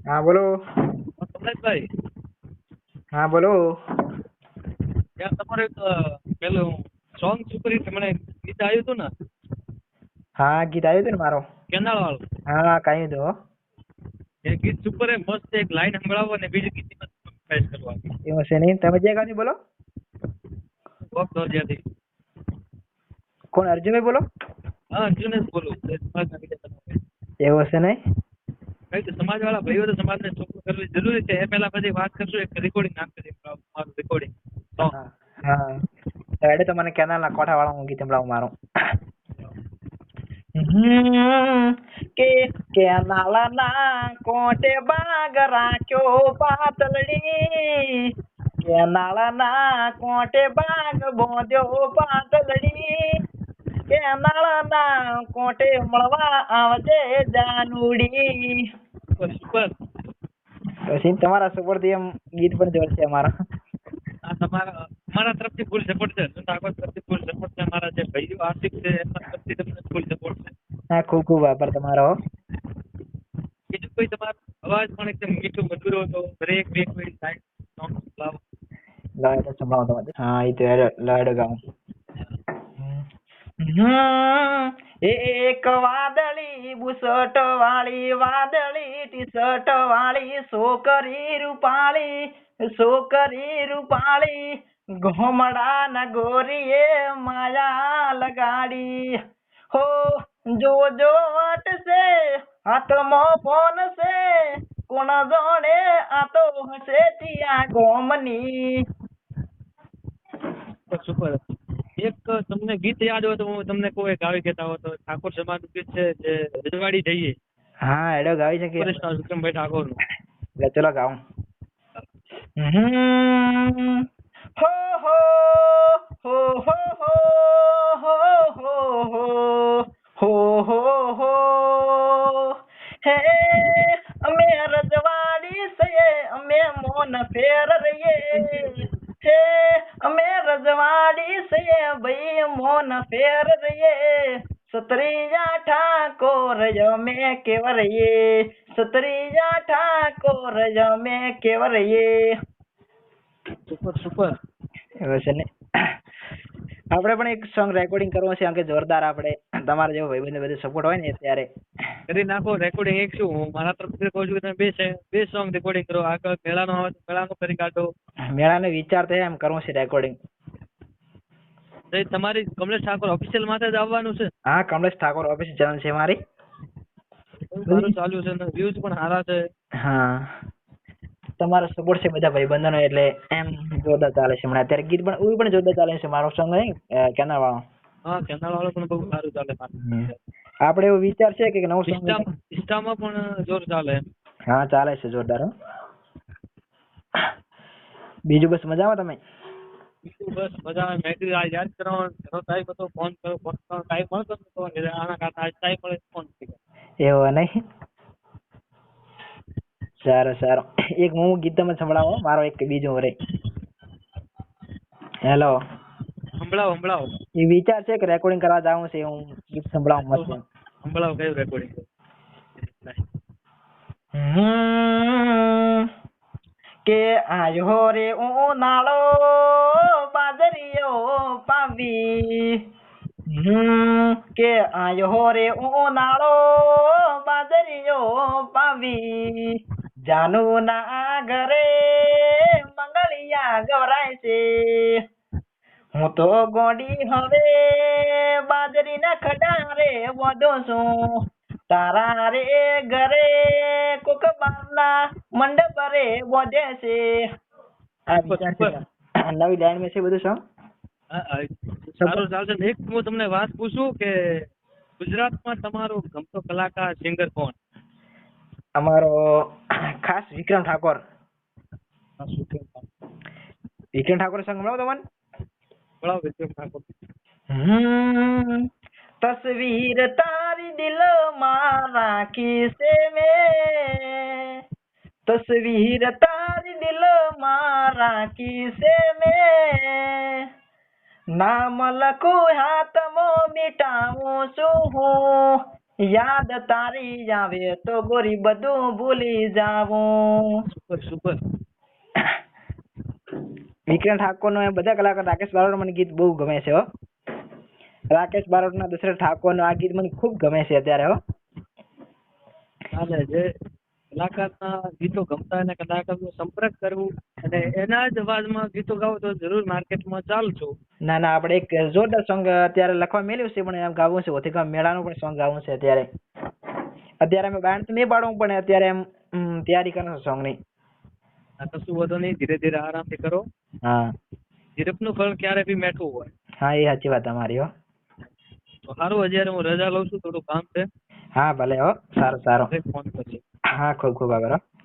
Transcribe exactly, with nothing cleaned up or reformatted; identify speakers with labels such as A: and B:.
A: હા બોલો.
B: કમલેશભાઈ,
A: હા બોલો.
B: યાર તમારે એક અ, પેલું સોંગ સુપર હિટ મને ગીત આવ્યું હતું ને
A: હા ગીત આવ્યું હતું ને મારો.
B: કેનાળ વાળું,
A: હા કઈ દો.
B: એ ગીત સુપર એ મસ્ત એક લાઈન સંભળાવો અને બીજું ગીત પ્રેસ કરવા.
A: એવું છે નહીં. તમે જે ગાડી બોલો.
B: કોક દોરજાથી.
A: કોણ અર્જુનભાઈ બોલો?
B: હા, અર્જુન જ બોલું. એ સમાજના બીજા તમે.
A: એવું છે નહીં.
B: કઈ તો સમાજ વાળા ભાઈઓ તો સમાજને ચોખ્ખું કરવી જરૂરી છે. એ પહેલા પછી વાત કરશું, એક રેકોર્ડિંગ નાખી મારું રેકોર્ડિંગ સોંગ.
A: હા હા. એટલે તો મને કેનાલના કોઠા વાળા ગીત સંભળાવું મારું. હમ કે કેનાલના કોઠે બાગ રાખ્યો પાતળડી, કેનાલના કોઠે બાગ બાંધ્યો પાતળડી, કેનાલના કોઠે મળવા આવજે જાનુડી.
B: Super super.
A: પછી તમારા સપોર્ટ થી એમ ગીત પણ જોર છે અમારા.
B: આ તમારા અમારા તરફથી ફૂલ સપોર્ટ છે. સુતાગત તરફથી ફૂલ સપોર્ટ છે. અમારા જે ભાઈઓ આર્થિક છે એમના તરફથી તમને ફૂલ સપોર્ટ છે.
A: હા ખૂબ ખૂબ આભાર તમારો.
B: બીજું કોઈ તમારો અવાજ પણ એકદમ મીઠું મધુર હતો. દરેક બે કોઈ સાઈડ સોંગ સંભળાવો.
A: લાડો સંભળાવો તમારે. હા એ તો લાડો ગાઉં. હમ એક વાદળી બુસટ વાળી વાદળી ટી શર્ટ વાળી છોકરી રૂપાળી છોકરી રૂપાળી ઘોમડા ના ગોરીએ માયા લગાડી હો જો જો વટશે હાથમાં ફોન છે કોણ જોડે આ તો હશે ટિયા ગોમની.
B: Super super. એક તમને ગીત યાદ હોય તો હું તમને કોઈ ગાવી કહેતા હો તો ઠાકોર સમાજનું ગીત છે જે રજવાડી જઈએ.
A: હા એડો ગાવી શકીએ.
B: સુપરસ્ટાર વિક્રમભાઈ ઠાકોરનું.
A: એટલે ચલો ગાઉં. હમ હો હો હો હો હો હો હો હો હો હો હે અમે રજવાડી છીએ અમે મોન ફેર રહીએ હે અમે રજવાડી છીએ ભાઈ મોન ફેર રહીએ સતરીયા ઠાકોર અમે કેવરઈએ સતરીયા ઠાકોર અમે કેવરઈએ.
B: Super super.
A: એવું છે ને. આપણે પણ એક સોંગ રેકોર્ડિંગ કરવું છે, કે જોરદાર આપણે તમારા જેવો ભાઈબંધ બધું સપોર્ટ હોય ને ત્યારે
B: કરી નાખો રેકોર્ડિંગ. એક શું હું મારા તરફથી કહું છું કે તમે બે છે બે સોંગ રેકોર્ડિંગ કરો. આગળ મેળાનો આવે તો મેળાનો કરી કાઢો.
A: મેળાનો વિચાર તો એમ કરવું છે રેકોર્ડિંગ.
B: તો તમારી કમલેશ ઠાકોર ઓફિશિયલ માથે જ આવવાનું છે.
A: હા કમલેશ ઠાકોર ઓફિસ ચેનલ છે મારી.
B: સારું ચાલ્યું છે ને વ્યૂઝ પણ સારા છે.
A: હા તમારો સપોર્ટ છે બધા ભાઈબંધોનો એટલે એમ જોરદાર ચાલે છે હમણાં અત્યારે ગીત પણ એવું પણ જોરદાર ચાલે છે મારો સોંગ નહીં કેનાલ વાળો.
B: હા કેનાલ વાળો પણ બહુ સારું ચાલે.
A: આપણે એવો વિચાર છે કે નવું સોંગ
B: ઇન્સ્ટામાં પણ જોર ચાલે.
A: હા ચાલે છે જોરદાર. બીજું બસ મજામાં તમે?
B: બીજું બસ મજા. મેં કીધું આ યાદ કરવાનો ઘણો ટાઈમ હતો. ફોન કરો ફોન કરવાનો ટાઈમ મળતો નતો. આના કારણે આજ ટાઈમ મળે ફોન કર્યો.
A: એવું નહીં. સારું સારું. એક હું ગીત તમે સંભળાવો મારો એક બીજું રે. હેલો.
B: સંભળાવો સંભળાવો.
A: એ વિચાર છે કે રેકોર્ડિંગ કરવા જાવું છે હું ગીત સંભળાવું મસ્ત.
B: સંભળાવો કયું રેકોર્ડિંગ?
A: હમ કે આયો રે ઉનાળો બાજરીયો પાવી હમ કે આયો રે ઉનાળો બાજરીયો પાવી જાનુ ના ઘરે મંગળિયા ગવરાય છે હું તો ગોડી હવે બાજરી ના ખડારે વધો છું તારા રે ઘરે કોક બારના મંડપ રે વધે છે. આ વિચાર છે નવી લાઈન માં છે બધું સોંગ.
B: સારું ચાલશે. એક હું તમને વાત પૂછું કે ગુજરાતમાં તમારો ગમતો કલાકાર સિંગર કોણ?
A: અમારો ખાસ વિક્રમ ઠાકોર. વિક્રમ ઠાકોર સોંગ મળો તમને.
B: બોલાવો વિક્રમ ઠાકોર.
A: હમ તસવીર તારી દિલ માં રાખી છે મેં તસવીર તારી દિલ માં રાખી છે મેં નામ લખું હાથમાં મીઠાવું છું હું યાદ તારી આવે તો ગોરી બધું ભૂલી જાવું.
B: Super super.
A: વિક્રમ ઠાકોર નો બધા કલાકાર રાકેશ બારોટ મને ગીત બહુ ગમે છે હો. રાકેશ બારોટ ના દશરથ ઠાકોર નું આ ગીત મને ખૂબ ગમે છે અત્યારે હો.
B: ચાલે જે કલાકારના ગીતો ગમતા અને કલાકારનો સંપર્ક કરવું અને એના જ અવાજમાં ગીતો ગાવો તો જરૂર માર્કેટમાં ચાલશું.
A: ના ના આપણે એક જોરદાર સોંગ અત્યારે લખવા મેલ્યું છે પણ એમ ગાવું છે ઓથી ગામ મેળાનું પણ સોંગ ગાવું છે અત્યારે. અત્યારે અમે બાણ તો નહીં પાડવું પણ અત્યારે એમ ઉમ, તૈયારી કરો સોંગ ની.
B: આ કશું વધુ નહીં, ધીરે ધીરે આરામથી કરો.
A: હા
B: ધીરજનું ફળ ક્યારે બી મેઠું હોય.
A: હા એ સાચી વાત તમારી હો.
B: તો સારું, અત્યારે હું રજા લઉં છું, થોડું કામ છે.
A: હા ભલે હો, સારું સારું.
B: ફોન કરજો.
A: હા ખૂબ ખૂબ આભાર હો.